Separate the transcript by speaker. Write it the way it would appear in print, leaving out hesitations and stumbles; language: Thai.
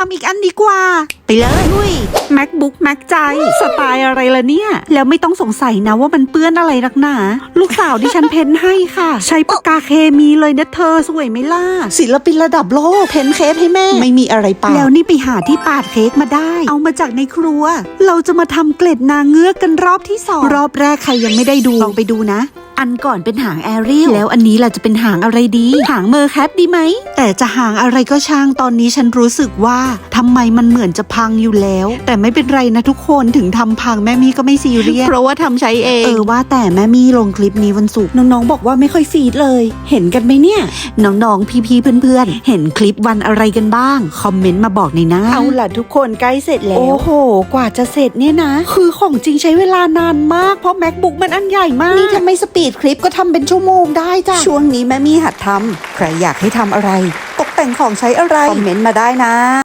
Speaker 1: ำอีกอันดีกว่าไปเลยลุย MacBook Mac ใจสไตล์อะไรล่ะเนี่ยแล้วไม่ต้องสงสัยนะว่ามันเปื้อนอะไรนักหนาลูกสาวที่ฉันเพ้นให้ค่ะใช้ปากกาเคมีเลยนะเธอสวยไหมล่ะศิลปินระดับโลกเพ้นเค้กให้แม่ไม่มีอะไรปาแล้วนี่ไปหาที่ปาดเค้กมาได้เอามาจากในครัวเราจะมาทำเกล็ดนางเงือกกันรอบที่2รอบแรกใครยังไม่ได้ดูลองไปดูนะอันก่อนเป็นหางแอเรียลแล้วอันนี้ล่ะจะเป็นหางอะไรดีหางเมอร์แคทดีไหมแต่จะหางอะไรก็ช่างตอนนี้ฉันรู้สึกว่าทำไมมันเหมือนจะพังอยู่แล้วแต่ไม่เป็นไรนะทุกคนถึงทำพังแม่มี่ก็ไม่ซีเรียสเพราะว่าทำใช้เองว่าแต่แม่มี่ลงคลิปนี้วันศุกร์น้องๆบอกว่าไม่ค่อยฟีดเลยเห็นกันไหมเนี่ยน้องๆพี่ๆเพื่อนๆเห็นคลิปวันอะไรกันบ้างคอมเมนต์มาบอกในหน้าเอาล่ะทุกคนใกล้เสร็จแล้วโอ้โหกว่าจะเสร็จเนี่ยนะคือของจริงใช้เวลานานมากเพราะ MacBook มันอันใหญ่มากนี่ทำไมสปีดคลิปก็ทำเป็นชั่วโมงได้จ้ะช่วงนี้แม่มี่หัดทำใครอยากให้ทำอะไรตกแต่งของใช้อะไรคอมเมนต์มาได้นะ